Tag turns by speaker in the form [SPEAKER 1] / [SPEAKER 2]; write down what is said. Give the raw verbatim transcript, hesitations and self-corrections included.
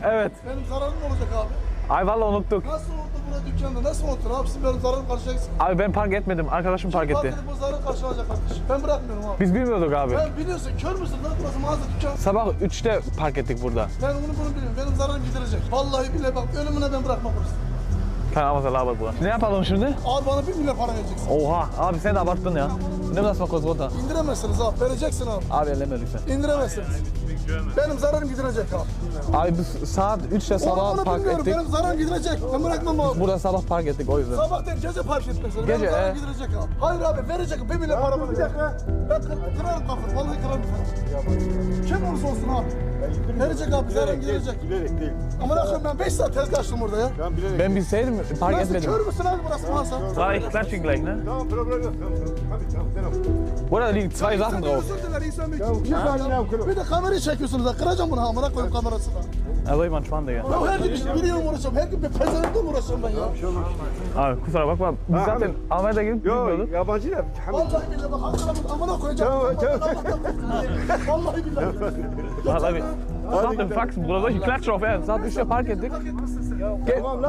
[SPEAKER 1] Evet.
[SPEAKER 2] Benim zararım olacak abi.
[SPEAKER 1] Ay vallahi unuttuk.
[SPEAKER 2] Nasıl oldu burada dükkanda? Nasıl unuttun abi? Siz benim zararımı karşılayacaksın.
[SPEAKER 1] Abi ben park etmedim. Arkadaşım park
[SPEAKER 2] Fark
[SPEAKER 1] etti.
[SPEAKER 2] edip o zararı karşılayacak kardeşim. Ben bırakmıyorum abi.
[SPEAKER 1] Biz bilmiyorduk abi.
[SPEAKER 2] Ben biliyorsun kör müsün lan? Burası mağaza dükkan.
[SPEAKER 1] Sabah üçte park ettik burada.
[SPEAKER 2] Ben onu bunu biliyorum. Benim zararım giderecek. Vallahi bile bak ölümüne ben bırakmam burası.
[SPEAKER 1] Tamam mesela abi bu. Ne yapalım şimdi?
[SPEAKER 2] Abi bana bir milyar para vereceksin.
[SPEAKER 1] Oha abi sen de abarttın ya. Ne nasıl kozgota?
[SPEAKER 2] İndiremezsiniz abi. Vereceksin abi.
[SPEAKER 1] Abi elleme lütfen.
[SPEAKER 2] İndiremezsiniz. Benim zararım giderecek abi.
[SPEAKER 1] Abi biz saat üçte
[SPEAKER 2] Onu
[SPEAKER 1] sabah
[SPEAKER 2] bunu
[SPEAKER 1] park
[SPEAKER 2] bilmiyorum.
[SPEAKER 1] ettik.
[SPEAKER 2] Benim zararım gidecek. Ben bırakmam abi.
[SPEAKER 1] Burada sabah park ettik o yüzden.
[SPEAKER 2] Sabah değil gece park etmezsin.
[SPEAKER 1] Gece,
[SPEAKER 2] Benim zararım
[SPEAKER 1] he.
[SPEAKER 2] giderecek abi. Hayır abi verecek. Bir milyar para verecek. Ben kır, kırarım kafını. Vallahi kırarım kafını. Kim olursa olsun abi. Verecek abi. Zararım giderecek.
[SPEAKER 3] Bilerek değil.
[SPEAKER 2] Ama ne yapayım ben beş saat tezgah açtım burada ya.
[SPEAKER 3] Ben bilerek.
[SPEAKER 1] Ben bilseydim park
[SPEAKER 2] Nasıl
[SPEAKER 1] etmedim.
[SPEAKER 2] kör müsün abi burası mağaza?
[SPEAKER 1] War ich klatsch ihn gleich, ne?
[SPEAKER 3] Tamam problem yok. Tamam tamam. Hadi tamam tamam.
[SPEAKER 1] Burada da liegen zwei Sachen drauf.
[SPEAKER 2] Özür diler insan bir.
[SPEAKER 3] bir saniye ya, kırma.
[SPEAKER 2] Bir de kamerayı çekiyorsunuz ha. Kıracağım bunu ha. Amına koyayım kamerasını.
[SPEAKER 1] Also jemand Schwan, Digga.
[SPEAKER 2] Ya her gün biriyle mi uğraşıyorum? Her gün bir pezevenkle mi uğraşıyorum ben ya?
[SPEAKER 1] Abi kusura bakma. Biz
[SPEAKER 3] Ha,
[SPEAKER 1] zaten
[SPEAKER 3] abi.
[SPEAKER 1] Almanya'da gidip
[SPEAKER 3] Yok
[SPEAKER 1] bilmiyorduk.
[SPEAKER 3] yabancı da.
[SPEAKER 2] Vallahi billahi bak Ankara'nın amına koyacağım.
[SPEAKER 3] Tamam, tamam.
[SPEAKER 2] Vallahi billahi.
[SPEAKER 1] Vallahi bir. Saat im Faxen, Bruder. Solche Klatsche auf Ernst. Saat üçte park ettik. Gel,